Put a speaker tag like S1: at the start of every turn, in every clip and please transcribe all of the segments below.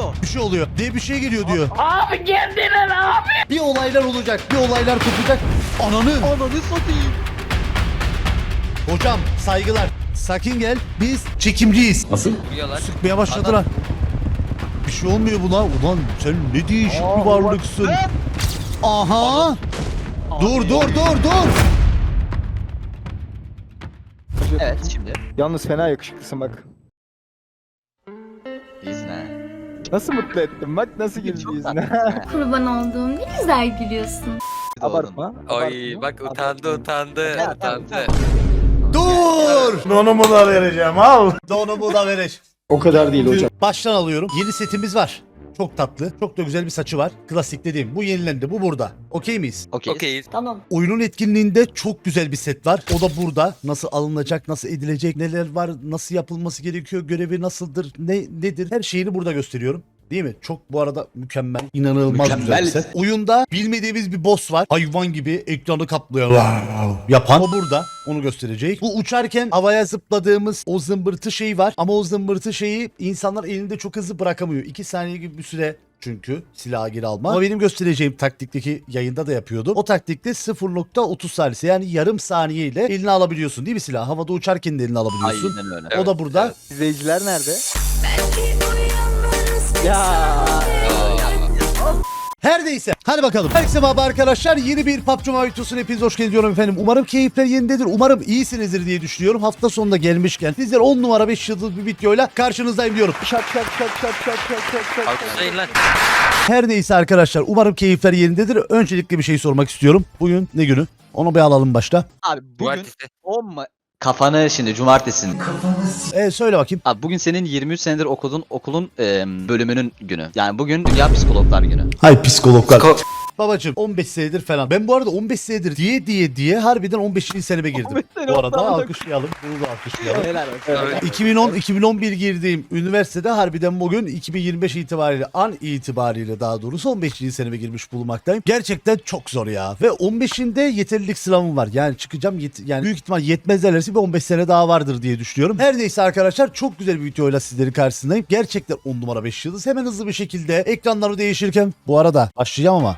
S1: oluyor?
S2: Bir şey oluyor diye bir şey geliyor diyor.
S3: Abi geldiler abi.
S2: Bir olaylar olacak, bir olaylar kopacak. Ananı.
S1: Ananı satayım.
S2: Hocam saygılar. Sakin gel. Biz çekimciyiz.
S4: Nasıl?
S5: Vuruyorlar.
S2: Sıkmaya başladılar. Bir şey olmuyor buna. Ulan sen ne değişik bir varlıksın. Aha. Dur.
S1: Evet şimdi.
S6: Yalnız fena yakışıklısın bak.
S1: İyisin ha.
S6: Nasıl mutlu ettim bak nasıl güldü
S1: Çok
S6: yüzüne.
S1: tatlısın.
S7: Kurban olduğum ne güzel gülüyorsun.
S6: Abartma.
S5: Ay
S6: abartma,
S5: bak
S6: abartma.
S5: utandı.
S2: Dur.
S4: Donumu da vereceğim al.
S2: Donumu da vereceğim.
S6: O kadar değil hocam.
S2: Baştan alıyorum. Yeni setimiz var. Çok tatlı. Çok da güzel bir saçı var. Klasik dediğim. Bu yenilendi. Bu burada. Okey miyiz?
S1: Okey.
S5: Okeyiz.
S2: Oyunun etkinliğinde çok güzel bir set var. O da burada. Nasıl alınacak, nasıl edilecek, neler var, nasıl yapılması gerekiyor, görevi nasıldır, nedir? Her şeyini burada gösteriyorum. Değil mi? Çok bu arada mükemmel, inanılmaz güzel bir set. Oyunda bilmediğimiz bir boss var. Hayvan gibi ekranı kaplıyor. Yapan. O burada. Onu gösterecek. Bu uçarken havaya zıpladığımız o zımbırtı şeyi var. Ama o zımbırtı şeyi insanlar elinde çok hızlı bırakamıyor. 2 saniye gibi bir süre çünkü silahı geri alma. Ama benim göstereceğim taktikteki yayında da yapıyordum. O taktikte 0.30 saniye yani yarım saniye ile eline alabiliyorsun değil mi silahı? Havada uçarken de eline alabiliyorsun.
S1: Aynen öyle.
S2: O da burada.
S5: Evet.
S6: İzleyiciler nerede? Ya.
S2: Her neyse hadi bakalım. Herkese merhaba arkadaşlar. Yeni bir PUBG Mobile videosuna hepiniz hoş geldiniz diyorum efendim. Umarım keyifler yerindedir. Umarım iyisinizdir diye düşünüyorum. Hafta sonunda gelmişken sizler 10 numara 5 yıldız bir videoyla karşınızdayım diyorum.
S6: Şak.
S5: Alkışlayın lan.
S2: Her neyse arkadaşlar umarım keyifler yerindedir. Öncelikle bir şey sormak istiyorum. Bugün ne günü? Onu bir alalım başta.
S1: Abi bugün
S5: Cumartesi.
S1: 10 Kafanı şimdi cumartesin.
S2: Söyle bakayım.
S1: Abi bugün senin 23 senedir okulun bölümünün günü. Yani bugün Dünya Psikologlar Günü.
S2: Hay psikologlar. Babacım 15 senedir falan. Ben bu arada 15 senedir diye harbiden 15. seneme girdim.
S6: 15 sene
S2: Bu arada
S6: oldu artık.
S2: alkışlayalım. Bunu da alkışlayalım.
S1: Helal olsun.
S2: 2010-2011 girdiğim üniversitede harbiden bugün 2025 itibariyle an itibariyle daha doğrusu 15. seneme girmiş bulunmaktayım. Gerçekten çok zor ya. Ve 15'inde yeterlilik sınavım var. Yani çıkacağım yani büyük ihtimal yetmez derlerse bir 15 sene daha vardır diye düşünüyorum. Her neyse arkadaşlar çok güzel bir videoyla sizlerin karşısındayım. Gerçekten 10 numara 5 yıldız. Hemen hızlı bir şekilde ekranları değişirken bu arada başlayacağım ama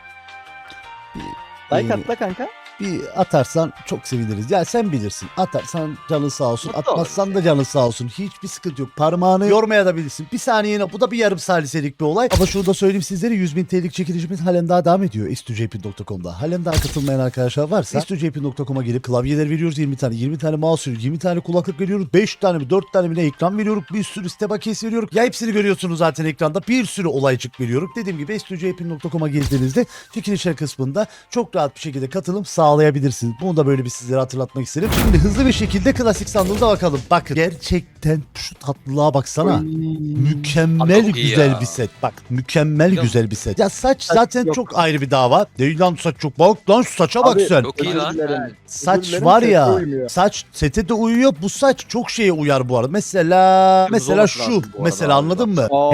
S6: Like atla kanka.
S2: bir atarsan çok seviniriz. Ya sen bilirsin. Atarsan canın sağ olsun.
S1: Mutlu
S2: Atmazsan da canın sağ olsun. Hiçbir sıkıntı yok. Parmağını yormaya da bilirsin. Bir saniyene bu da bir yarım saliselik bir olay. Ama şunu da söyleyeyim sizlere 100.000 TL'lik çekilişimiz halen daha devam ediyor. istujp.com'da. Halen daha katılmayan arkadaşlar varsa istujp.com'a gelip klavyeler veriyoruz 20 tane. 20 tane mouse veriyoruz. 20 tane kulaklık veriyoruz. 5 tane mi 4 tane mi ne ekran veriyoruz. Bir sürü site bakiyesi veriyoruz. Ya hepsini görüyorsunuz zaten ekranda. Bir sürü olaycık veriyoruz. Dediğim gibi istujp.com'a girdiğinizde çekilişler kısmında çok rahat bir şekilde katılım sağlayabilirsiniz. Bunu da böyle bir sizlere hatırlatmak istedim. Şimdi hızlı bir şekilde klasik sandığımıza bakalım. Bakın gerçekten şu tatlılığa baksana. Mükemmel
S5: Abi çok iyi
S2: güzel
S5: ya.
S2: bir set. Bak mükemmel
S5: Yok.
S2: güzel bir set. Ya saç zaten
S6: yok.
S2: çok ayrı bir dava. Değil lan saç çok bak lan şu saça bak
S6: Abi,
S2: sen.
S5: Çok iyi
S6: Özür
S5: lan.
S6: dilerim.
S2: Saç
S6: Özür dilerim,
S2: var
S6: sete
S2: ya.
S6: uymuyor.
S2: Saç sete de uyuyor. Bu saç çok şeye uyar bu arada. Mesela
S1: olması
S2: şu.
S1: lazım bu arada
S2: Mesela
S1: abi.
S2: anladın mı?
S6: Aa.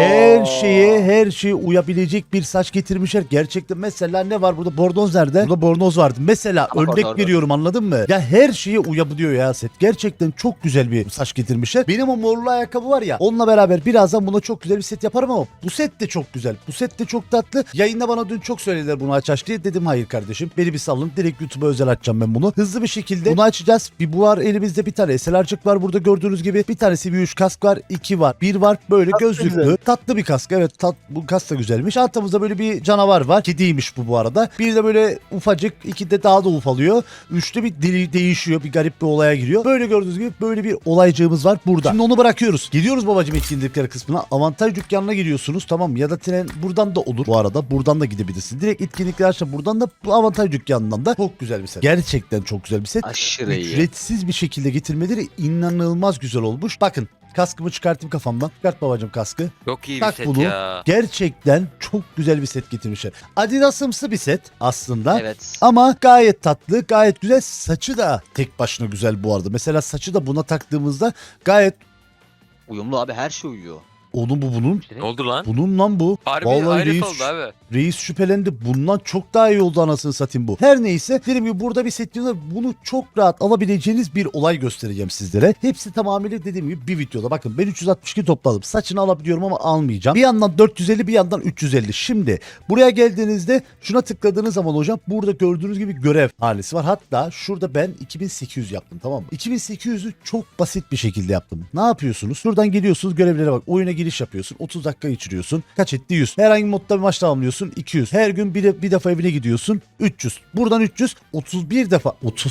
S2: Her şeye uyabilecek bir saç getirmişler. Gerçekten mesela ne var burada? Bornoz nerede? Burada bornoz vardı. Mesela
S1: Ama
S2: örnek
S1: orada.
S2: veriyorum anladın mı? Ya her şeye uyabiliyor ya set. Gerçekten çok güzel bir saç getirmişler. Benim o morlu ayakkabı var ya. Onunla beraber birazdan buna çok güzel bir set yaparım ama bu set de çok güzel. Bu set de çok tatlı. Yayında bana dün çok söylediler bunu aç diye. Dedim hayır kardeşim. Beni bir salın. Direkt YouTube'a özel açacağım ben bunu. Hızlı bir şekilde bunu açacağız. Bir bu var elimizde bir tane SLR'cık var burada gördüğünüz gibi. Bir tane CV3 kask var. 2 var. 1 var. Böyle
S6: Kask
S2: gözlüklü.
S6: güzel.
S2: Tatlı bir kask. Evet bu kask da güzelmiş. Altımızda böyle bir canavar var. Kediymiş bu arada. Bir de böyle ufacık. 2 de daha da ufalıyor. 3'te bir dili değişiyor. Bir garip bir olaya giriyor. Böyle gördüğünüz gibi böyle bir olaycığımız var burada. Şimdi onu bırakıyoruz. Gidiyoruz babacım etkinlikleri kısmına. Avantaj dükkanına giriyorsunuz tamam mı? Ya da tren buradan da olur bu arada. Buradan da gidebilirsin. Direkt etkinlikler açta buradan da bu avantaj dükkanından da çok güzel bir set. Gerçekten çok güzel bir set.
S1: Aşırı iyi.
S2: Ücretsiz bir şekilde getirmeleri inanılmaz güzel olmuş. Bakın kaskımı çıkartayım kafamdan. Çıkart babacım kaskı.
S5: Çok iyi bir
S2: Tak
S5: set
S2: bunu.
S5: ya.
S2: Gerçekten çok güzel bir set getirmişler. Adidas'ımsı bir set aslında.
S1: Evet.
S2: Ama gayet tatlı, gayet güzel. Saçı da tek başına güzel bu arada. Mesela saçı da buna taktığımızda gayet
S1: Uyumlu abi her şey uyuyor.
S2: Oğlum bu bunun.
S4: Ne oldu lan?
S2: Bunun lan bu.
S4: Harbi
S2: Vallahi
S4: ayrı
S2: reis,
S4: oldu abi.
S2: reis şüphelendi. Bundan çok daha iyi oldu anasını satayım bu. Her neyse dedim ki burada bir set diyorlar. Bunu çok rahat alabileceğiniz bir olay göstereceğim sizlere. Hepsi tamamıyla dediğim gibi bir videoda. Bakın ben 362 topladım. Saçını alabiliyorum ama almayacağım. Bir yandan 450 bir yandan 350. Şimdi buraya geldiğinizde şuna tıkladığınız zaman hocam burada gördüğünüz gibi görev halisi var. Hatta şurada ben 2800 yaptım, tamam mı? 2800'ü çok basit bir şekilde yaptım. Ne yapıyorsunuz? Şuradan geliyorsunuz, görevlere bak. Oyuna giriş yapıyorsun. 30 dakika geçiriyorsun. Kaç etti? 100. Herhangi bir modda bir maç tamamlıyorsun. 200. Her gün bir defa evine gidiyorsun. 300. Buradan 300. 31 defa.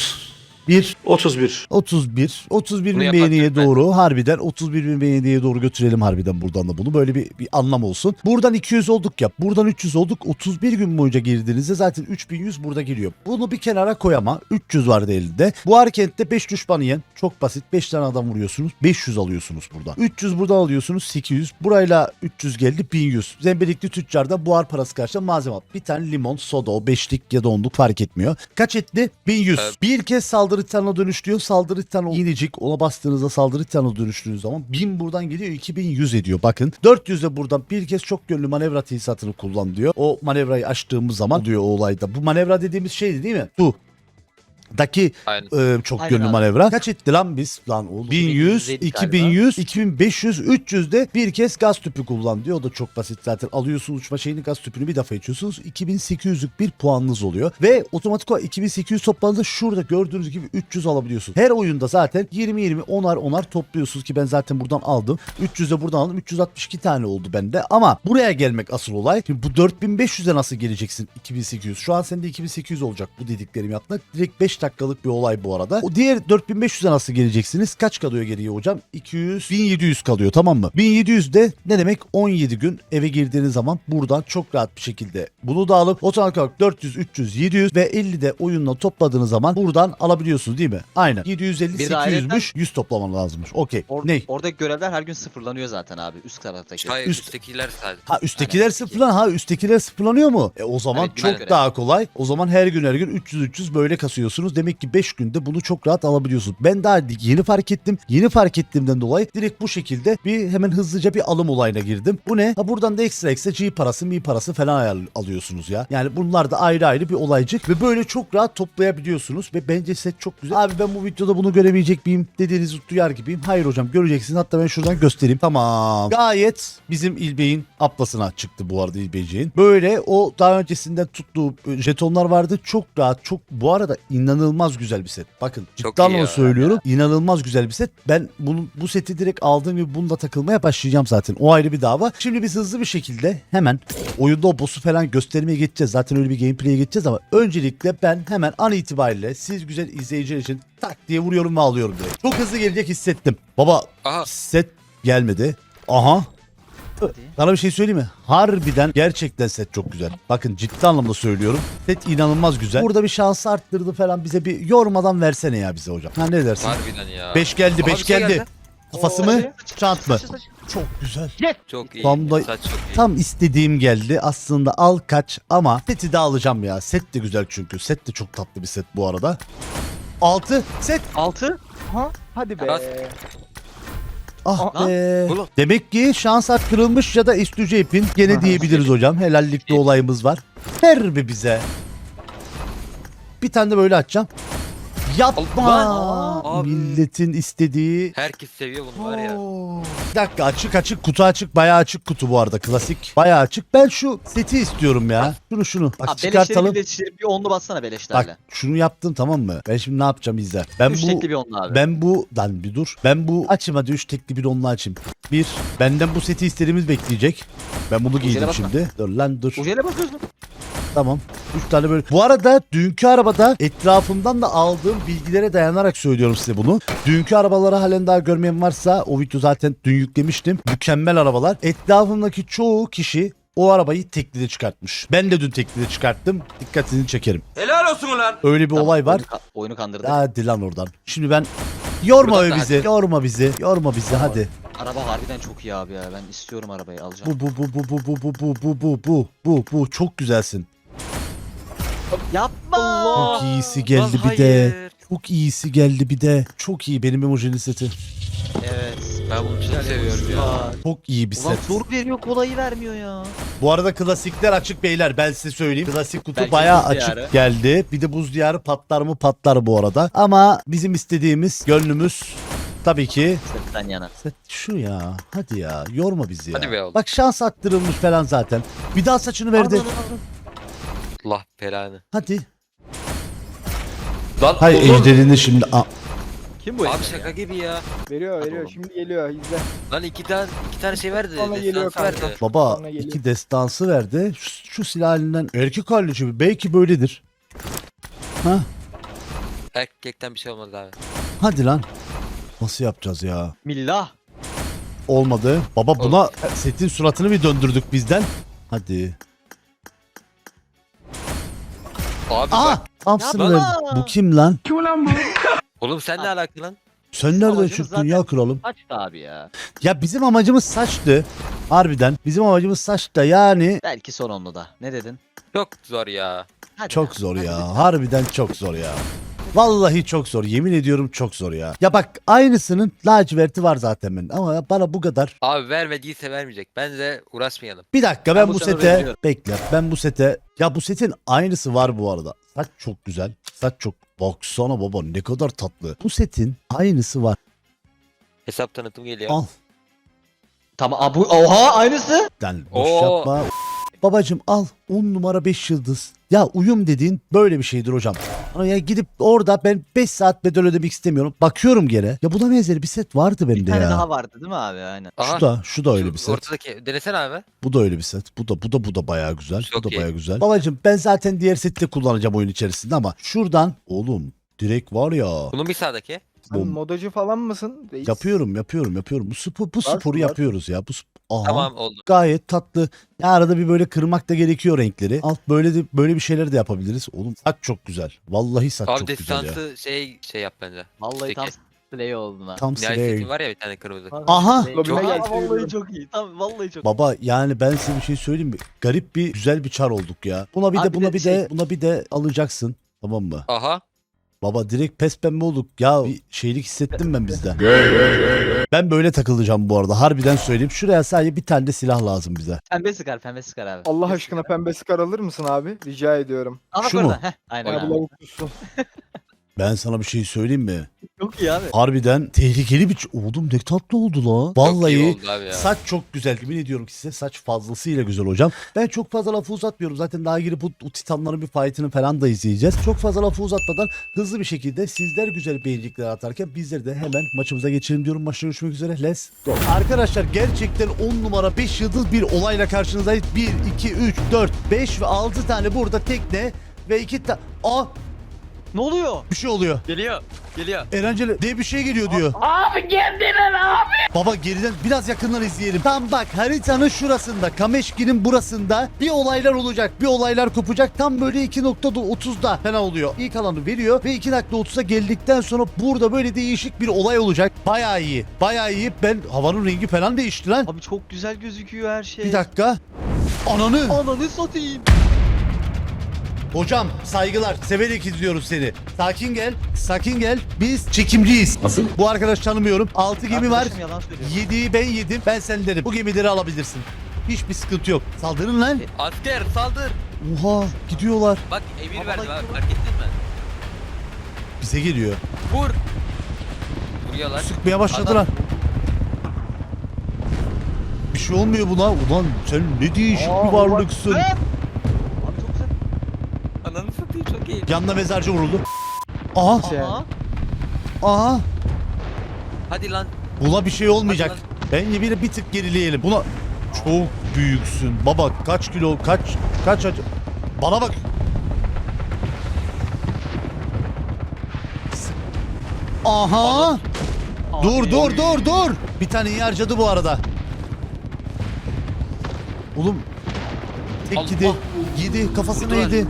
S2: 31
S4: Bunu
S2: bin
S4: yapan
S2: beğeniye
S4: Türkmen.
S2: doğru harbiden 31 bin beğeniye doğru götürelim harbiden buradan da bunu. Böyle bir anlam olsun. Buradan 200 olduk ya. Buradan 300 olduk. 31 gün boyunca girdiğinizde zaten 3100 burada geliyor. Bunu bir kenara koy ama 300 vardı elinde. Bu harekette 5 düşman yiyen çok basit. 5 tane adam vuruyorsunuz. 500 alıyorsunuz burada. 300 buradan alıyorsunuz. 800. Burayla 300 geldi. 1100. Zembelikli tüccarda buhar parası karşılığında malzeme al. Bir tane limon, soda, o 5'lik ya da 10'luk fark etmiyor. Kaç etti? 1100. Bir kez saldırı titanına dönüştürüyor. Saldırı titanı iğnecik. Ona bastığınızda saldırı titanına dönüştüğünüz zaman 1000 buradan geliyor. 2100 ediyor. Bakın 400 de buradan bir kez çok yönlü manevra tesisatını kullan diyor. O manevrayı açtığımız zaman diyor o olayda. Bu manevra dediğimiz şeydi değil mi? Bu. Daki
S4: Aynen.
S2: çok
S1: Aynen
S2: yönlü
S1: abi.
S2: manevra. Kaç etti lan biz? Lan oğlum. 1100, 2100, 2500, 300 de bir kez gaz tüpü kullan diyor. O da çok basit zaten. Alıyorsunuz uçma şeyini, gaz tüpünü bir defa içiyorsunuz. 2800'lük bir puanınız oluyor. Ve otomatik olarak 2800 topladığınızda şurada gördüğünüz gibi 300 alabiliyorsunuz. Her oyunda zaten 20-20 onar topluyorsunuz ki ben zaten buradan aldım. 300 de buradan aldım. 362 tane oldu bende. Ama buraya gelmek asıl olay. Şimdi bu 4500'e nasıl geleceksin 2800? Şu an sende 2800 olacak bu dediklerimi yapmak. Direkt 5 dakikalık bir olay bu arada. O diğer 4500'e nasıl geleceksiniz? Kaç kalıyor geriye hocam? 200, 1700 kalıyor, tamam mı? 1700 de ne demek? 17 gün eve girdiğiniz zaman buradan çok rahat bir şekilde bunu da alıp otomatik olarak 400, 300, 700 ve 50 de oyunla topladığınız zaman buradan alabiliyorsunuz değil mi? Aynen. 750,
S1: Bir de
S2: 800'müş. 100 toplaman lazımmış. Okey. Ne?
S1: Oradaki görevler her gün sıfırlanıyor zaten abi. Üst taraftaki.
S4: Hayır
S2: Üst-
S4: üsttekiler sadece.
S2: Ha üsttekiler
S1: Aynen.
S2: sıfırlan. Ha üsttekiler sıfırlanıyor mu? O zaman
S1: Evet, güzel
S2: çok
S1: görev.
S2: daha kolay. O zaman her gün 300 böyle kasıyorsunuz. Demek ki 5 günde bunu çok rahat alabiliyorsunuz. Ben daha yeni fark ettim. Yeni fark ettiğimden dolayı direkt bu şekilde bir hemen hızlıca bir alım olayına girdim. Bu ne? Ha buradan da ekstra G parası, Mi parası falan alıyorsunuz ya. Yani bunlar da ayrı ayrı bir olaycık ve böyle çok rahat toplayabiliyorsunuz ve bence set çok güzel. Abi ben bu videoda bunu göremeyecek miyim dediğinizi duyar gibiyim. Hayır hocam, göreceksiniz. Hatta ben şuradan göstereyim. Tamam. Gayet bizim İlbey'in aplasına çıktı bu arada İlbeyciğin. Böyle o daha öncesinden tuttuğu jetonlar vardı. Çok rahat, çok bu arada inanılmaz güzel bir set. Bakın
S4: Çok
S2: ciddi
S4: iyi
S2: anlamda
S4: ya.
S2: söylüyorum. İnanılmaz güzel bir set. Ben bu seti direkt aldığım gibi bununla takılmaya başlayacağım zaten. O ayrı bir dava. Şimdi biz hızlı bir şekilde hemen oyunda o boss'u falan göstermeye geçeceğiz. Zaten öyle bir gameplay'e geçeceğiz ama öncelikle ben hemen an itibariyle siz güzel izleyiciler için tak diye vuruyorum ve alıyorum direkt. Çok hızlı gelecek hissettim. Baba
S4: Aha.
S2: set gelmedi. Aha. Sana bir şey söyleyeyim mi? Harbiden gerçekten set çok güzel. Bakın ciddi anlamda söylüyorum. Set inanılmaz güzel. Burada bir şansı arttırdı falan, bize bir yormadan versene ya bize hocam. Ha ne dersin?
S4: Harbiden ya.
S2: 5 geldi,
S4: Aha,
S2: 5
S4: bir şey
S2: geldi. Kafası mı? Çant mı?
S1: Saç, saç.
S2: Çok güzel.
S4: Çok iyi.
S2: Tam da-
S4: Saç çok iyi.
S2: Tam istediğim geldi. Aslında al kaç ama seti de alacağım ya. Set de güzel çünkü. Set de çok tatlı bir set bu arada. 6 set.
S1: 6.
S6: Ha? Hadi be.
S4: Bas.
S2: Ah
S1: Lan,
S2: be.
S4: oğlum.
S2: Demek ki şans arttırılmış ya da üstüce ipin gene diyebiliriz hocam. Helallikte olayımız var. Ver be bize. Bir tane de böyle açacağım. Yapma.
S4: Allah. Abi.
S2: Milletin istediği.
S4: Herkes seviyor bunu var ya.
S2: Oo. Bir dakika, açık kutu açık, bayağı açık kutu bu arada, klasik. Bayağı açık. Ben şu seti istiyorum ya. Şunu bak
S1: Abi
S2: çıkartalım.
S1: beleşleri bir onlu bassana beleşlerle.
S2: Bak şunu yaptım, tamam mı? Ben şimdi ne yapacağım izle. Ben
S1: 3
S2: bu
S1: tekli bir onlu abi.
S2: lan bir dur. Ben bu açayım, hadi 3 tekli bir onunla açayım. Bir, benden bu seti istediğimiz bekleyecek. Ben bunu giydim
S1: basma.
S2: şimdi. Dur lan dur.
S1: Ujeyle basıyorsun.
S2: Tamam. 3 tane böyle. Bu arada dünkü arabada etrafımdan da aldığım bilgilere dayanarak söylüyorum size bunu. Dünkü arabaları halen daha görmeyen varsa o video zaten dün yüklemiştim. Mükemmel arabalar. Etrafımdaki çoğu kişi o arabayı teklide çıkartmış. Ben de dün teklide çıkarttım. Dikkatini çekerim.
S5: Helal olsun ulan.
S2: Öyle bir olay var.
S1: Oyunu kandırdık.
S2: Hadi lan oradan. Şimdi ben yorma
S1: Buradan da
S2: bizi.
S1: hadi.
S2: Yorma bizi hadi.
S1: Araba harbiden çok iyi abi ya. Ben istiyorum arabayı, alacağım.
S2: Bu çok güzelsin.
S1: Yapma.
S2: Çok iyisi geldi
S4: Lan
S2: bir de.
S4: hayır.
S2: Çok iyisi geldi bir de. Çok iyi benim emojinin seti.
S1: Evet.
S4: Ben bunu çok seviyorum ya.
S2: Çok iyi bir
S1: Ulan
S2: set.
S1: zor veriyor, kolayı vermiyor ya.
S2: Bu arada klasikler açık beyler, ben size söyleyeyim. Klasik kutu
S1: Belki
S2: bayağı
S1: buz
S2: açık
S1: diyarı.
S2: geldi. Bir de buz diyarı patlar mı patlar bu arada. Ama bizim istediğimiz, gönlümüz tabii ki
S1: Setten yana.
S2: set şu ya. Hadi ya, yorma bizi ya.
S4: Hadi be oğlum.
S2: Bak şans attırılmış falan zaten. Bir daha saçını verdi.
S4: Allah belanı.
S2: Hadi.
S4: Lan
S2: Hay
S4: oğlum.
S2: ejderini şimdi.
S1: Kim bu
S4: Abi
S1: ejder
S4: şaka
S1: ya?
S4: gibi ya.
S6: Veriyor
S1: Hadi
S6: veriyor
S1: oğlum.
S6: şimdi geliyor izle.
S4: Lan iki tane şey verdi.
S6: Sonra geliyor
S4: Destansı
S6: kanka.
S4: verdi.
S2: Baba
S6: Sonra geliyor.
S2: 2 destansı verdi. Şu silah halinden erkek halleci belki böyledir. Ha?
S4: Erkekten bir şey olmadı abi.
S2: Hadi lan. Nasıl yapacağız ya?
S1: Millah.
S2: Olmadı. Baba buna setin suratını bir döndürdük bizden. Hadi.
S4: Abi
S2: Aa!
S4: bak.
S2: Thompson
S1: Ya
S2: verdi.
S1: baba!
S2: Bu kim lan?
S4: Oğlum sen ne alakalı lan?
S2: Sen nereden
S1: amacımız
S2: çıktın
S1: zaten-
S2: ya kralım?
S1: Açtı abi ya.
S2: Ya bizim amacımız saçtı. Harbiden. Bizim amacımız saçta yani.
S1: Belki son onlu da. Ne dedin?
S4: Çok zor ya.
S1: Hadi
S2: Çok
S1: lan,
S2: zor
S1: hadi
S2: ya.
S1: lütfen.
S2: Harbiden çok zor ya. Vallahi çok zor. Yemin ediyorum çok zor ya. Ya bak aynısının laciverti var zaten benim. Ama bana bu kadar.
S4: Abi vermediyse vermeyecek. Bence uğraşmayalım.
S2: Bir dakika ben
S1: bu
S2: bu
S1: sene
S2: sete
S1: veriyorum.
S2: bekle. Ben bu sete ya bu setin aynısı var bu arada. Saç çok güzel. Saç çok baksana baba ne kadar tatlı. Bu setin aynısı var.
S4: Hesap tanıtım geliyor.
S2: Al.
S1: Tamam abi, oha aynısı.
S2: Lan boş
S4: Oo.
S2: yapma. Babacım al 10 numara 5 yıldız. Ya uyum dediğin böyle bir şeydir hocam. Ama ya gidip orada ben 5 saat bedel ödemek istemiyorum. Bakıyorum gene. Ya buna benzeri bir set vardı
S1: Bir
S2: bende
S1: tane
S2: ya.
S1: daha vardı değil mi abi? Aynen.
S4: Aha.
S2: Şu da öyle
S4: Şu
S2: bir set.
S4: Ortadaki denesene abi.
S2: Bu da öyle bir set. Bu da bayağı güzel.
S4: Çok
S2: bu da
S4: iyi.
S2: bayağı güzel. Babacım ben zaten diğer seti de kullanacağım oyun içerisinde ama şuradan oğlum direkt var ya.
S4: Bunun bir sağdaki.
S6: Sen
S2: Bom.
S6: modacı falan mısın? Reis?
S2: Yapıyorum. Bu sporu
S6: var.
S2: yapıyoruz ya. Aha.
S4: Tamam oldu.
S2: Gayet tatlı. Ya arada bir böyle kırmak da gerekiyor renkleri. Alt böyle bir şeyler de yapabiliriz. Oğlum saç çok güzel. Vallahi saç
S4: Abi
S2: çok güzel ya.
S4: destansı şey yap bence.
S1: Vallahi
S4: Peki.
S1: tam slay oldun ha.
S2: Tam
S4: Nihayet
S2: slay.
S4: setin var ya bir tane kırmızı.
S2: Aha!
S1: Slay.
S6: Lobime
S1: Aa,
S6: gel,
S1: vallahi
S6: seviyorum.
S1: çok iyi. Tamam vallahi çok iyi.
S2: Baba yani ben size bir şey söyleyeyim mi? Garip bir güzel bir çar olduk ya. Buna bir
S1: Abi
S2: de buna
S1: bir de
S2: bir
S1: şey-
S2: de buna bir de alacaksın. Tamam mı?
S4: Aha.
S2: Baba direkt pes pembe olduk. Ya bir şeylik hissettim ben bizde. Ben böyle takılacağım bu arada. Harbiden söyleyeyim. Şuraya sadece bir tane de silah lazım bize.
S1: Pembe sıkar abi.
S6: Allah
S1: Pembe
S6: aşkına
S1: sıkar.
S6: pembe skar alır mısın abi? Rica ediyorum.
S1: Aha,
S2: Şu
S1: orada.
S2: mu?
S1: Heh, aynen
S6: Bana
S1: abi.
S6: bu lavuk tutsun.
S2: Ben sana bir şey söyleyeyim mi?
S1: Çok iyi abi.
S2: Harbiden tehlikeli bir... Oğlum ne tatlı oldu la.
S4: Çok iyi
S2: Vallahi
S4: oldu abi ya.
S2: saç çok güzel. Yemin ediyorum ki size saç fazlasıyla güzel hocam. Ben çok fazla lafı uzatmıyorum. Zaten daha girip bu titanların bir fight'ını falan da izleyeceğiz. Çok fazla lafı uzatmadan hızlı bir şekilde sizler güzel beğenicikler atarken bizler de hemen maçımıza geçelim diyorum. Maçta görüşmek üzere. Let's go. Arkadaşlar gerçekten 10 numara 5 yıldız bir olayla karşınızdayız. 1, 2, 3, 4, 5 ve 6 tane burada tekne ve 2 tane... Aa!
S1: Ne oluyor?
S2: Bir şey oluyor.
S4: Geliyor. Geliyor.
S2: Erenceli diye bir şey geliyor diyor.
S3: Abi geldiler abi.
S2: Baba geriden biraz yakından izleyelim. Tam bak haritanın şurasında, Kameşki'nin burasında bir olaylar olacak. Bir olaylar kopacak. Tam böyle 2.30'da fena oluyor. İlk alanı veriyor ve 2.30'a geldikten sonra burada böyle değişik bir olay olacak. Bayağı iyi. Bayağı iyi. Ben havanın rengi falan değişti lan.
S1: Abi çok güzel gözüküyor her şey.
S2: Bir dakika. Ananı.
S1: Ananı satayım.
S2: Hocam saygılar. Severek izliyoruz seni. Sakin gel. Sakin gel. Biz çekimciyiz. Nasıl? Bu arkadaş tanımıyorum. 6 gemi var.
S1: Arkadaşım yalan söylüyor.
S2: 7'yi ben yedim. Ben sen derim. Bu gemileri alabilirsin. Hiçbir sıkıntı yok. Saldırın lan.
S4: Asker saldır.
S2: Oha gidiyorlar.
S4: Bak emir
S1: Baba,
S4: verdim
S1: bak-
S4: abi fark ettin mi?
S2: Bize geliyor.
S4: Vur. Vuruyorlar.
S2: Sıkmaya başladılar. Bir şey olmuyor buna. Ulan sen ne değişik bir varlıksın.
S1: Abi çok güzel.
S4: Ananı satayım çok iyi.
S2: Yanına mezarcı vuruldu. Aha.
S6: Şey.
S1: Aha.
S2: Aha.
S4: Hadi lan.
S2: Buna bir şey olmayacak.
S4: Hadi
S2: Ben yine bir tık gerileyelim. Buna çok büyüksün. Baba kaç kilo kaç acı. Bana bak. Aha. Dur dur. Bir tane iyi harcadı bu arada. Oğlum. Tek
S4: Allah.
S2: yedi. Yedi. Kafasına
S4: Vurdular.
S2: yedi.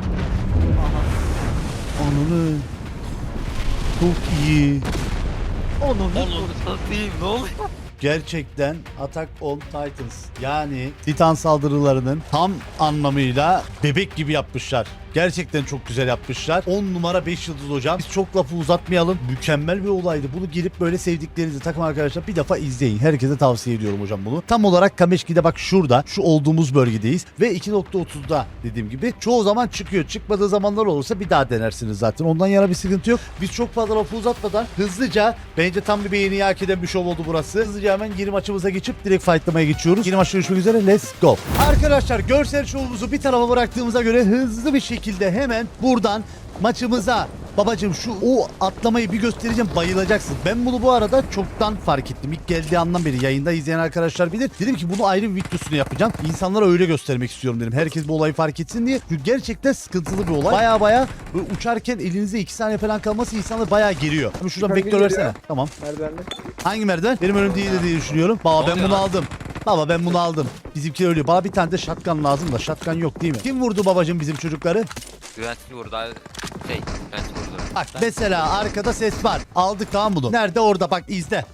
S2: Ananı. Çok iyi.
S1: Onu
S4: Oğlum satayım ne oluyor?
S2: Gerçekten Attack on Titans yani Titan saldırılarının tam anlamıyla bebek gibi yapmışlar. Gerçekten çok güzel yapmışlar. 10 numara 5 yıldız hocam. Biz çok lafı uzatmayalım. Mükemmel bir olaydı. Bunu gelip böyle sevdiklerinizi takım arkadaşlar bir defa izleyin. Herkese tavsiye ediyorum hocam bunu. Tam olarak Kameşki'de bak şurada. Şu olduğumuz bölgedeyiz. Ve 2.30'da dediğim gibi. Çoğu zaman çıkıyor. Çıkmadığı zamanlar olursa bir daha denersiniz zaten. Ondan yana bir sıkıntı yok. Biz çok fazla lafı uzatmadan hızlıca, bence tam bir beğeni hak eden bir şov oldu burası. Hızlıca hemen yeni maçımıza geçip direkt fightlamaya geçiyoruz. Yeni maçta görüşmek üzere. Let's go. Arkadaşlar görsel şovumuzu bir tarafa bıraktığımıza göre hızlı bir şekilde hemen buradan maçımıza, babacım şu o atlamayı bir göstereceğim, bayılacaksın. Ben bunu bu arada çoktan fark ettim. İlk geldiği andan beri yayında izleyen arkadaşlar bilir. Dedim ki bunu ayrı bir videosunu yapacağım. İnsanlara öyle göstermek istiyorum dedim. Herkes bu olayı fark etsin diye. Çünkü gerçekten sıkıntılı bir olay. Baya böyle uçarken elinizde 2 saniye falan kalması insanları baya geriyor. Ama şuradan
S6: Yukarı
S2: vektör
S6: geliyor.
S2: versene. Tamam.
S6: Merdivenle.
S2: Hangi merdiven? Benim önüm değil diye düşünüyorum. Baba
S4: Ne
S2: ben
S4: oluyor
S2: bunu
S4: lan?
S2: aldım. Baba ben bunu aldım. Bizimki ölüyor. Bana bir tane de shotgun lazım da. Shotgun yok değil mi? Kim vurdu babacım bizim çocukları?
S4: Güvenlikli vurdu abi. Güvenlikli vurdu.
S2: Bak mesela arkada ses var. Aldık tamam bunu. Nerede? Orada bak izle.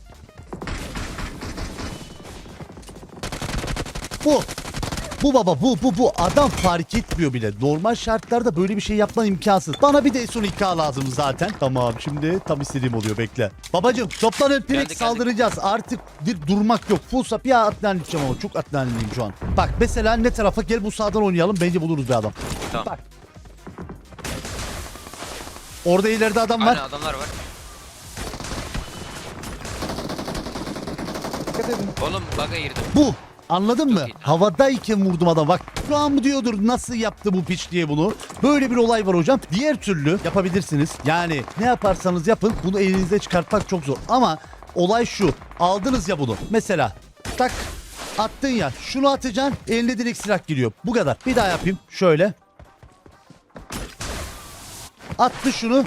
S2: Bu. Bu baba bu adam fark etmiyor bile. Normal şartlarda böyle bir şey yapman imkansız. Bana bir de son 2K lazım zaten. Tamam şimdi tam istediğim oluyor bekle. Babacım toplanın direkt
S4: Geldik.
S2: saldıracağız. Artık bir durmak yok. Full sap ya atlanacağım ama çok atlanlıyım şu an. Bak mesela ne tarafa gel bu sağdan oynayalım. Bence buluruz bir adam.
S4: Tamam.
S2: Bak. Orada ileride adam var.
S4: Aynen adamlar var.
S6: Dikkat edin.
S4: Oğlum bug'a girdim.
S2: Bu. Anladın mı?
S4: Çok iyi.
S2: Havadayken vurdum adam. Bak şu an mı diyordur nasıl yaptı bu piç diye bunu. Böyle bir olay var hocam. Diğer türlü yapabilirsiniz. Yani ne yaparsanız yapın bunu elinizde çıkartmak çok zor. Ama olay şu. Aldınız ya bunu. Mesela tak attın ya. Şunu atacaksın. Eline direkt silah giriyor. Bu kadar. Bir daha yapayım. Şöyle. Attı şunu.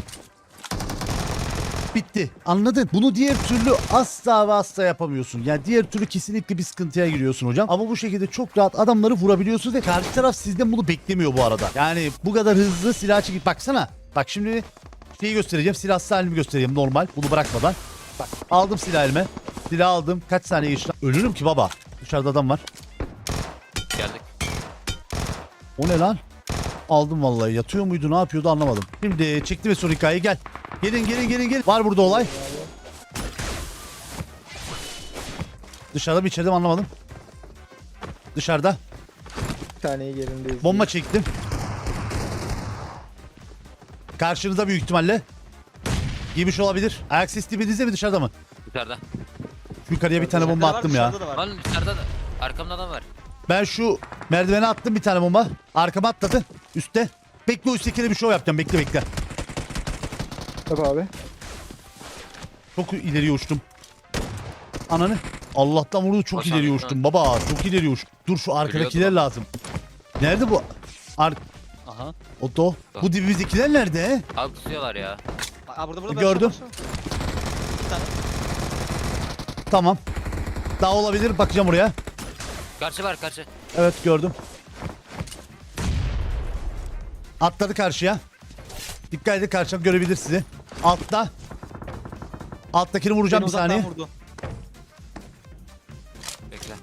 S2: Bitti. Anladın? Bunu diğer türlü asla ve asla yapamıyorsun. Yani diğer türlü kesinlikle bir sıkıntıya giriyorsun hocam. Ama bu şekilde çok rahat adamları vurabiliyorsunuz ve karşı taraf sizden bunu beklemiyor bu arada. Yani bu kadar hızlı silah çekip baksana. Bak şimdi şeyi göstereceğim. Silahsız halimi göstereyim normal. Bunu bırakmadan. Bak aldım silah elime. Silah aldım. Kaç saniye geçti? Ölürüm ki baba. Dışarıda adam var.
S4: Geldik.
S2: O ne lan? Aldım vallahi. Yatıyor muydu ne yapıyordu anlamadım. Şimdi çekti ve son hikayeyi gel. Gelin. Var burada olay. Dışarıda mı içeride mi anlamadım. Dışarıda.
S6: Bir taneyi yerindeyiz.
S2: Bomba çektim. Karşınızda büyük ihtimalle. Giymiş olabilir. Ayak sesi dibinizde mi dışarıda mı?
S4: Dışarıda.
S2: Yukarıya bir tane bomba attım ya.
S4: Lan dışarıda da. Arkamda adam var.
S2: Ben şu merdivene attım bir tane bomba. Arkama atladı. Üste. Bekle o üsttekine bir şov yapacağım. Bekle.
S6: Tabii abi.
S2: Çok ileriye uçtum. Ananı. Allah'tan vurdu çok
S4: Boş
S2: ileriye
S4: abi,
S2: uçtum baba. Çok ileriye uçtum. Dur şu arkadakiler
S4: Gülüyordu lan.
S2: lazım. Nerede bu?
S1: Aha.
S2: Oto. Bu dibimizdekiler nerede?
S4: Abi kusuyorlar ya.
S1: Aa, burada
S2: Gördüm.
S1: Bir tane.
S2: Tamam. Daha olabilir. Bakacağım oraya.
S4: Karşı var karşı.
S2: Evet gördüm. Atladı karşıya. Dikkat edin karşıdan görebilir sizi. Altta. Alttakini vuracağım
S1: Beni
S2: bir saniye.
S1: uzaktan vurdu.
S4: Bekle.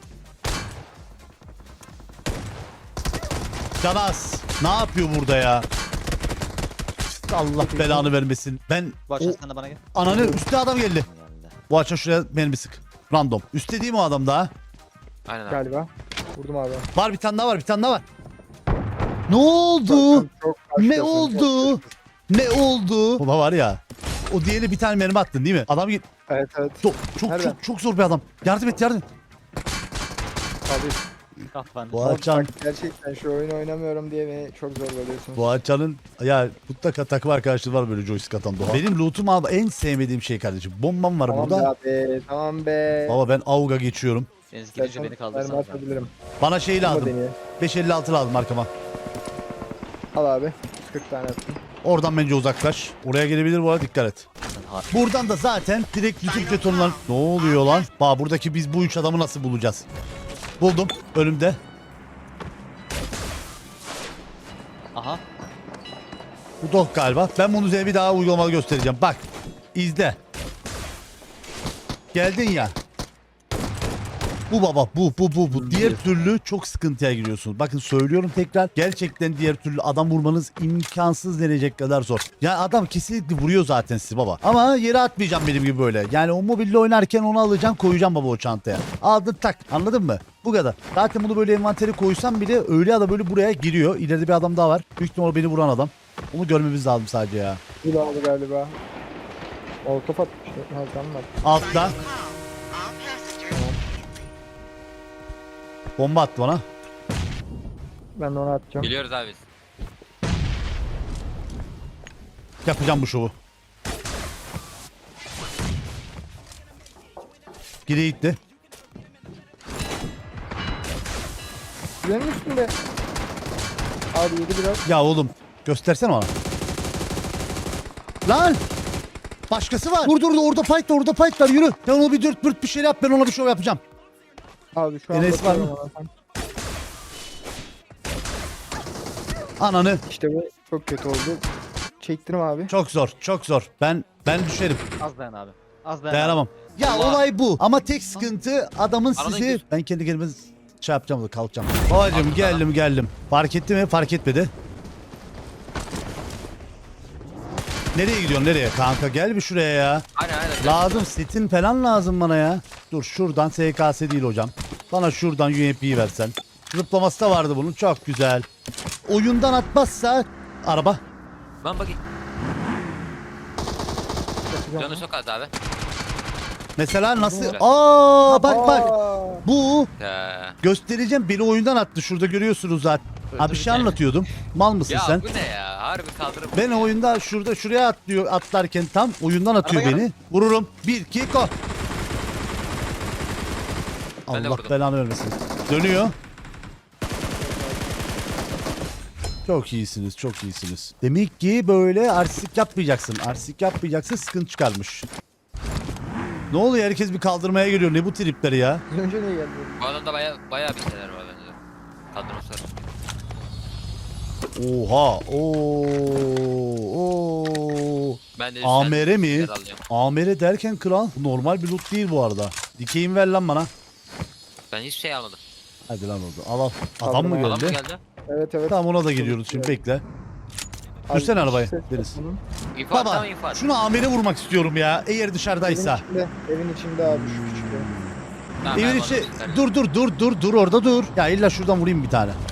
S2: Canas. Ne yapıyor burada ya? Allah belanı vermesin. Ben
S1: Bu
S2: o
S1: açan sen de bana gel.
S2: ananı üstte adam geldi.
S1: Geldi.
S2: Bu açan şuraya benim bir sık. Random. Üstte değil mi o adam daha?
S4: Aynen abi.
S6: Galiba. Vurdum abi.
S2: Var bir tane daha var. Ne oldu?
S6: Çok
S2: Ne
S6: başkasın,
S2: oldu?
S6: çok-
S2: Ne oldu? Baba var ya. O diğeri bir tane mermi attın değil mi? Adam
S6: Evet. Nereden?
S2: çok zor bir adam. Yardım et.
S6: Abi.
S1: Kafan.
S2: Bu
S6: Bak,
S2: açan
S6: gerçekten şu oyunu oynamıyorum diye beni çok zorbalıyorsunuz.
S2: bu açanın ya mutlaka takım arkadaşları var böyle joystick atan Doğa. Benim lootum abi en sevmediğim şey kardeşim. Bombam var
S6: Tamam
S2: burada.
S6: be abi. Tamam be.
S2: Baba ben AUG'a geçiyorum.
S1: Deniz gidince beni kaldırsana.
S6: Ben atabilirim.
S2: Bana şey
S6: Ama
S2: lazım.
S6: deneye.
S2: 556 lazım arkama.
S6: Al abi. 40 tane attım.
S2: Oradan bence uzaklaş. Oraya gelebilir bu arada dikkat et. Buradan da zaten direkt YouTube jetonlar. Ne oluyor lan? Bak buradaki biz bu üç adamı nasıl bulacağız? Buldum. Önümde.
S1: Aha.
S2: Bu dog galiba. Ben bunu size bir daha uygulamalı göstereceğim. Bak. İzle. Geldin ya. Bu baba bu. Diğer türlü çok sıkıntıya giriyorsunuz. Bakın söylüyorum tekrar. Gerçekten diğer türlü adam vurmanız imkansız denecek kadar zor. Yani adam kesinlikle vuruyor zaten sizi baba. Ama yere atmayacağım benim gibi böyle. Yani o mobille oynarken onu alacağım koyacağım baba o çantaya. Aldın tak. Anladın mı? Bu kadar. Zaten bunu böyle envantere koysam bile öyle ya da böyle buraya giriyor. İleride bir adam daha var. Büyük ihtimalle beni vuran adam. Onu görmemiz lazım sadece ya.
S6: Bu da oldu galiba. Molotof atmıştı. Ha tamam var.
S2: Altta. Bomba attı bana.
S6: Ben de onu atacağım.
S4: Biliyoruz abi biz.
S2: Yapacağım bu şovu. Geri gitti.
S6: Benim üstünde. Abi yedi biraz.
S2: Ya oğlum göstersene bana. Lan! Başkası var. Dur orada fight var yürü. Sen onu bir dürt bürt bir şey yap ben ona bir şov yapacağım.
S6: Abi şu an
S2: Enes var mı?
S6: bakıyorum ona.
S2: Ananı.
S6: İşte bu çok kötü oldu. Çektirim abi.
S2: Çok zor. Ben düşerim.
S1: Az dayan abi. Az dayan.
S2: Dayanamam. Ya
S4: Allah.
S2: olay bu. Ama tek sıkıntı adamın
S4: Aradan
S2: sizi...
S4: gir.
S2: Ben kendi kendime şey yapacağım da kalkacağım. Babacım
S4: Abi,
S2: geldim. Fark etti mi? Fark etmedi. Nereye gidiyorsun nereye? Kanka gel bir şuraya ya.
S4: Aynen.
S2: Lazım setin falan lazım bana ya. Dur şuradan SKS değil hocam. Bana şuradan UMP'yi versen. Zıplaması da vardı bunun çok güzel. Oyundan atmazsa araba.
S4: Ben bakayım.
S6: Yapacağım
S4: Canı
S6: onu.
S4: çok az abi.
S2: Mesela nasıl?
S4: Güzel.
S2: Aa bak.
S6: Aa,
S2: Bu
S4: Ya,
S2: göstereceğim beni oyundan attı şurada görüyorsunuz zaten. Ha bir şey anlatıyordum. Mal mısın
S4: ya
S2: sen?
S4: bu ne ya? Harbi kaldırıp.
S2: Ben oyunda şuraya atlarken tam oyundan atıyor
S1: Araba
S2: beni. Vururum. 1 2 go.
S4: Ben de
S2: Allah
S4: vurdum.
S2: belanı vermesin. Dönüyor. Çok iyisiniz. Demek ki böyle artistik yapmayacaksın. Sıkıntı çıkarmış. Ne oluyor herkes bir kaldırmaya geliyor. Ne bu tripleri ya?
S6: az önce niye geldi?
S4: Bu adamda baya bir şeyler var bence. Kaldırmışlar.
S2: Oha. Oo.
S4: Ben de
S2: AMR mi?
S4: şeyler alacağım.
S2: AMR derken kral. Normal bir loot değil bu arada. Dikeyim ver lan bana.
S4: Ben hiçbir şey almadım.
S2: Hadi lan orada. Al. Adam mı
S6: Adam
S4: Adam mı
S2: geldi?
S4: geldi?
S6: Evet.
S2: Tamam ona da geliyoruz şimdi bekle.
S6: Abi,
S2: Sürsene arabayı,
S6: ses
S2: Deniz.
S6: bunun.
S4: İnfo
S2: Baba
S4: tamam info.
S2: şunu amire vurmak istiyorum ya. Eğer dışarıdaysa.
S6: Evin içinde abi şu küçükte.
S4: Tamam,
S2: Evin
S4: ben
S2: içi
S4: bana
S2: dur orada dur. Ya illa şuradan vurayım bir tane.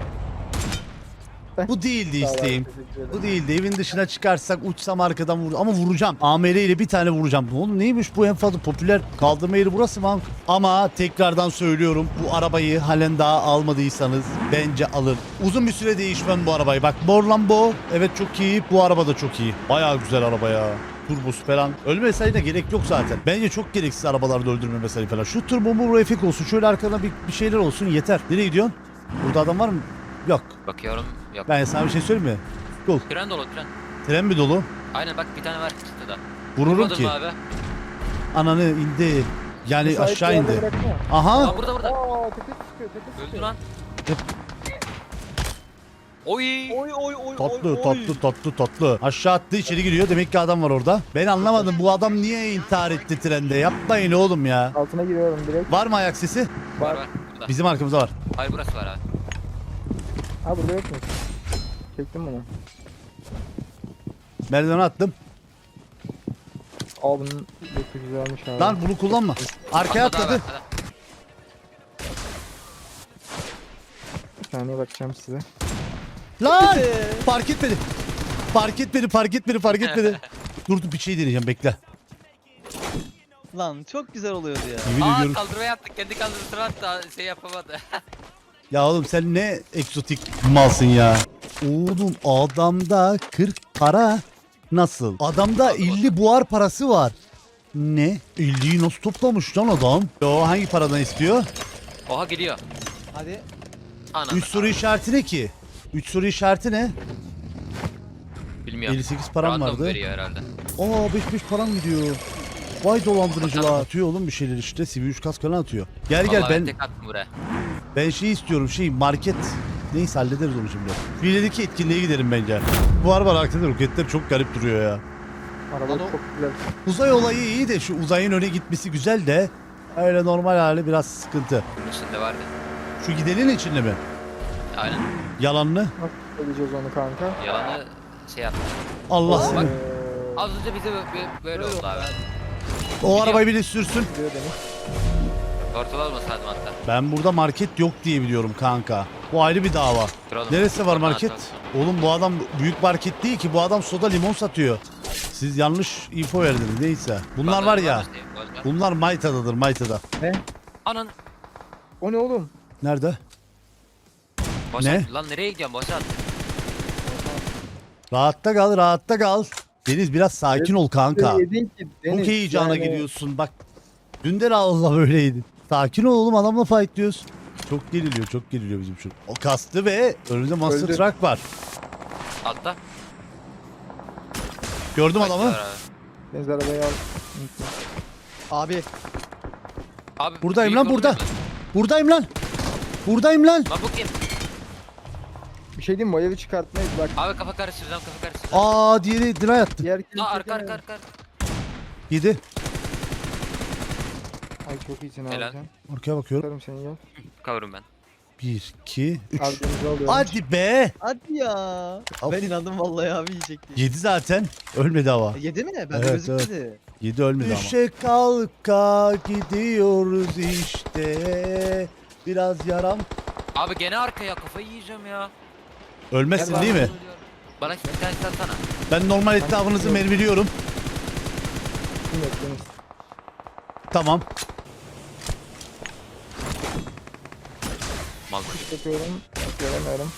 S6: Ben-
S2: Bu değildi
S6: Sağ ol abi,
S2: isteğim.
S6: teşekkür ederim.
S2: Bu değildi. Evin dışına çıkarsak uçsam arkadan ama vuracağım. AMR ile bir tane vuracağım. Oğlum neymiş bu en fazla popüler kaldırma yeri burası mı? Ama tekrardan söylüyorum bu arabayı halen daha almadıysanız bence alın. Uzun bir süre değişmem bu arabayı. Bak Mor Lambo evet çok iyi. Bu araba da çok iyi. Bayağı güzel araba ya. Turbosu falan. Ölme mesaine gerek yok zaten. Bence çok gereksiz arabalarda öldürme mesai falan. Şu turbo mu refik olsun. Şöyle arkada bir şeyler olsun yeter. Nereye gidiyorsun? Burada adam var mı? Yok.
S4: bakıyorum. Yok.
S2: Ben sana bir şey söyleyeyim mi? Cool.
S4: Tren dolu tren.
S2: Tren mi dolu?
S4: Aynen bak bir tane var çıktı da.
S2: Vururum
S4: Vurmadın
S2: ki.
S4: mı abi?
S2: Ananı indi. Yani
S6: Müsait
S2: aşağı
S6: bir yerde
S2: indi.
S6: bıraksana.
S2: Aha.
S4: Aa burada.
S6: Aa tepe sıkıyor.
S4: Öldü lan. Oy.
S2: Tatlı. Aşağı attı içeri giriyor. Demek ki adam var orada. Ben anlamadım. Bu adam niye intihar etti trende? Yapmayın oğlum ya.
S6: Altına giriyorum direkt.
S2: Var mı ayak sesi?
S4: Var burada.
S2: Bizim arkamızda var.
S4: Hayır burası var abi.
S6: Ha burada yok mu? Çektim bunu.
S2: Merdivene attım.
S6: Aa bunun loot'u güzelmiş abi.
S2: Lan bunu kullanma. Arkaya
S4: Arkada
S2: atladı.
S4: var, arkada.
S6: Bir saniye bakacağım size.
S2: Lan! Fark etmedi. Dur bir şey deneyeceğim bekle.
S1: Lan çok güzel oluyordu ya.
S2: Yemin
S4: Aa
S2: ediyorum.
S4: kaldırma yaptık. Kendi kaldırmasını attı. Şey yapamadı.
S2: Ya oğlum sen ne egzotik malsın ya. Oğlum adamda 40 para nasıl? Adamda 50 buhar parası var. Ne? 50'yi nasıl toplamış lan adam? O hangi paradan istiyor?
S4: Oha gidiyor.
S1: Hadi.
S4: Ana.
S2: 3 soru işareti ne ki? 3 soru işareti ne?
S4: Bilmiyorum.
S2: 58 param
S4: Random
S2: vardı.
S4: veriyor herhalde.
S2: Aa 5 param gidiyor. Vay dolandırıcılar. Atıyor oğlum bir şeyler işte. CV3 kask falan atıyor. Gel
S4: Vallahi
S2: ben
S4: tek attım buraya.
S2: şey istiyorum market. Neyse hallederiz onu şimdi. Filedeki etkinliğe giderim bence. Bu araba arkada roketler çok garip duruyor ya.
S6: Araba
S1: Lan o-
S6: çok güzel.
S2: Uzay olayı iyi de şu uzayın öne gitmesi güzel de Öyle normal hali biraz sıkıntı.
S4: Bunun içinde vardı.
S2: Şu gidenin içinde mi?
S4: Aynen.
S2: Yalanlı.
S6: Nasıl söyleyeceğiz onu kanka?
S4: Yalanı şey yaptı.
S2: Allah
S4: Bak.
S2: seni.
S4: Az önce bize böyle oldu abi.
S2: O arabayı biri sürsün.
S6: Diyor Deniz.
S4: Ortalı olmasaydım hatta.
S2: Ben burada market yok diye biliyorum kanka. Bu ayrı bir dava.
S4: Kralım.
S2: Neresi var
S4: Oradan
S2: market?
S4: atarsın.
S2: Oğlum bu adam büyük market değil ki. Bu adam soda limon satıyor. Siz yanlış info verdiniz neyse. Bunlar
S4: Bazıları
S2: var ya.
S4: mı diyeyim, bazıları?
S2: Bunlar Mayta'dadır Mayta'da.
S4: Anan.
S6: O ne oğlum?
S2: Nerede?
S4: Boşalt.
S2: Ne?
S4: Lan nereye gidiyorsun boşalt.
S2: Rahatta kal rahatta kal. Deniz biraz sakin ol kanka.
S6: Yedin ki Deniz.
S2: Çok heyecana
S6: yani-
S2: giriyorsun bak. Dün de Allah böyleydi. Sakin ol oğlum adamla fight diyoruz. Çok geriliyor bizim şu. O kastı ve önünde Master
S6: Öldü.
S2: Truck var.
S4: Altta.
S2: Gördüm adamı.
S4: Var abi.
S6: Deniz arabayı al.
S5: Abi
S4: Abi,
S2: Buradayım
S4: büyük
S2: lan, burada.
S4: olmuyor mu?
S2: Buradayım lan. Buradayım lan.
S4: Lan bu kim?
S6: Bir şey diyeyim mi? O evi çıkartmayız bak.
S4: Abi kafa karıştıracağım kafa karıştıracağım.
S2: Aa diğeri dry attı.
S6: Diğer kim?
S4: Aa arka arka arka.
S2: Yedi.
S6: Ay çok iyisin abi
S4: Helal.
S6: sen.
S2: Arkaya bakıyorum.
S6: Tutarım seni ya.
S4: Kavurum ben.
S2: 1, 2, 3.
S6: Abi Deniz'i alıyorum.
S2: Hadi be.
S5: hadi ya.
S2: Of.
S5: Ben inandım vallahi abi yiyecek diye.
S2: 7 zaten. Ölmedi ama.
S5: Yedi mi? Ben
S2: Evet,
S5: gözükmedi.
S2: 7 ölmedi ama. Düşe kalka gidiyoruz işte. Biraz yaram.
S4: Abi gene arkaya kafayı yiyeceğim ya.
S2: Ölmezsin
S6: Gel
S2: değil mi?
S4: Bana bir tane satsana.
S2: Ben normal etrafınızı mermiliyorum.
S6: Kim yok Deniz?
S2: Tamam.
S4: Mal
S6: Yapıyorum. Göremiyorum.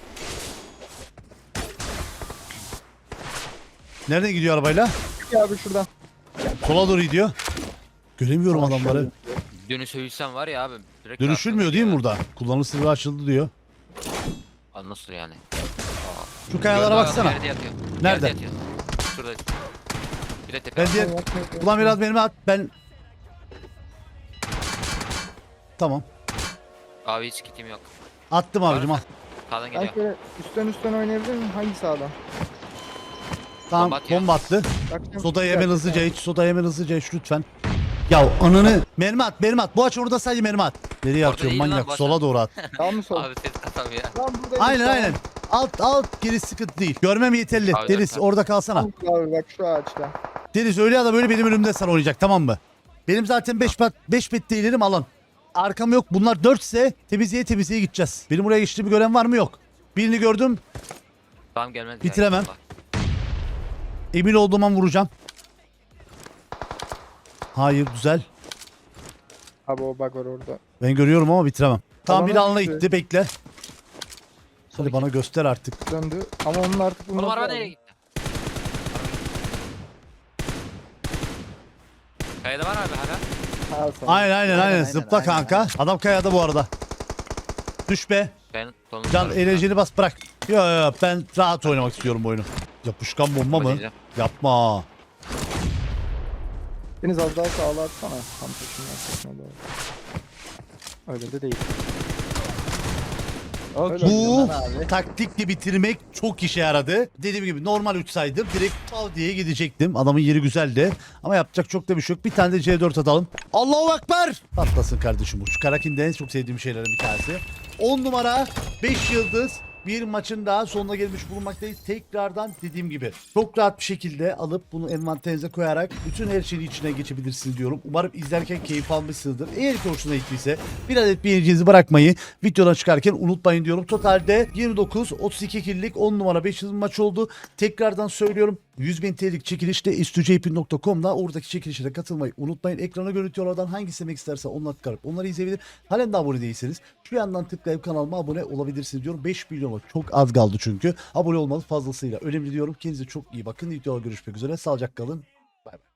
S2: Nereden gidiyor arabayla?
S6: Ya abi şuradan.
S2: Sola doğru gidiyor. Göremiyorum
S6: Aşağı
S2: adamları.
S6: gidiyor.
S4: dönüşebilsem var ya abi. Direkt
S2: Dönüşülmüyor değil mi burada? Kullanım sırrı açıldı diyor.
S4: Aa, nasıl yani?
S2: Şu kayalara
S4: Gördüm,
S2: baksana.
S4: Yerde yatıyor.
S2: Nerede?
S4: Yerde yatıyor. Şurada. Bir de tepe.
S2: Ben diğer... Ulan biraz benimle at. Ben... Tamam.
S4: Abi hiç kitim yok.
S2: Attım abicim al.
S4: Sağdan
S6: Ben
S4: geliyor.
S6: şöyle üstten oynayabilir miyim? Hangi sağdan?
S2: Tamam
S4: Bomba atıyor.
S2: bomba attı.
S6: Bakacağım.
S2: Sodayı hemen hızlıca iç. Sodayı hemen hızlıca iç lütfen. Ya ananı. Mermi at mermi at. Bu aç orada sadece mermi at. Nereye
S4: Orada
S2: atıyorum
S4: değil lan,
S2: manyak?
S4: boş
S2: Sola
S4: ver.
S2: doğru at.
S6: Sağ mı sol?
S4: Abi ses kasam ya.
S6: Lan buradayım.
S2: Aynen
S6: tamam.
S2: aynen. Alt geri sıkıntı değil. Görmem yeterli.
S4: Abi,
S2: Deniz
S4: tamam.
S2: orada kalsana.
S6: Abi bak şu ağaçta.
S2: Deniz öyle ya da böyle benim önümde sen oynayacak tamam mı? Benim zaten 5 bet ilerim alan. Arkam yok. Bunlar 4 ise temizliğe gideceğiz. Benim buraya geçtiğimi gören var mı? Yok. Birini gördüm.
S4: Tamam gelmez.
S2: Bitiremem.
S4: Ya,
S2: Emin olduğum an vuracağım. Hayır güzel.
S6: Abi o bak var orada.
S2: Ben görüyorum ama bitiremem. Tamam
S6: Alana
S2: bir alana
S6: gitti.
S2: gitti bekle. Hadi bana göster artık.
S6: Döndü. Ama onun artık
S4: Oğlum araba nereye gitti? Kayada var abi hala.
S6: Ha, sen.
S2: Aynen zıpla kanka. Adam kayada bu arada. Düş be.
S4: Ben
S2: Can enerjini bas bırak. Yo ben rahat oynamak istiyorum bu oyunu. Yapışkan bomba mı? Yapma.
S6: Deniz az daha sağla atsana. Tam peşinden sakına doğru. Öyle de değil. Öyle
S2: Bu
S5: abi.
S2: taktikle bitirmek çok işe yaradı. Dediğim gibi normal uçsaydım direkt tav diye gidecektim. Adamın yeri güzeldi. Ama yapacak çok da bir şey yok. Bir tane de C4 atalım. Allahu Ekber! Patlasın kardeşim bu. Şu Karakin'de en çok sevdiğim şeylerin bir tanesi. 10 numara 5 yıldız bir maçın daha sonuna gelmiş bulunmaktayız. Tekrardan dediğim gibi çok rahat bir şekilde alıp bunu envanterinize koyarak bütün her şeyin içine geçebilirsiniz diyorum. Umarım izlerken keyif almışsınızdır. Eğer ki hoşuna gittiyse bir adet beğeninizi bırakmayı videodan çıkarken unutmayın diyorum. Totalde 29-32 killik 10 numara 5 yıldız maç oldu. Tekrardan söylüyorum. 100.000 TL'lik çekilişte istujp.com'da oradaki çekilişe katılmayı unutmayın. Ekrana görüntü oradan hangi istemek isterse onları tıklayıp onları izleyebilir. Halen de abone değilseniz şu yandan tıklayıp kanalıma abone olabilirsiniz diyorum. 5 milyona çok az kaldı çünkü. Abone olmanız fazlasıyla önemli diyorum. Kendinize çok iyi bakın. Videoda görüşmek üzere. Sağlıcakla kalın. Bay bay.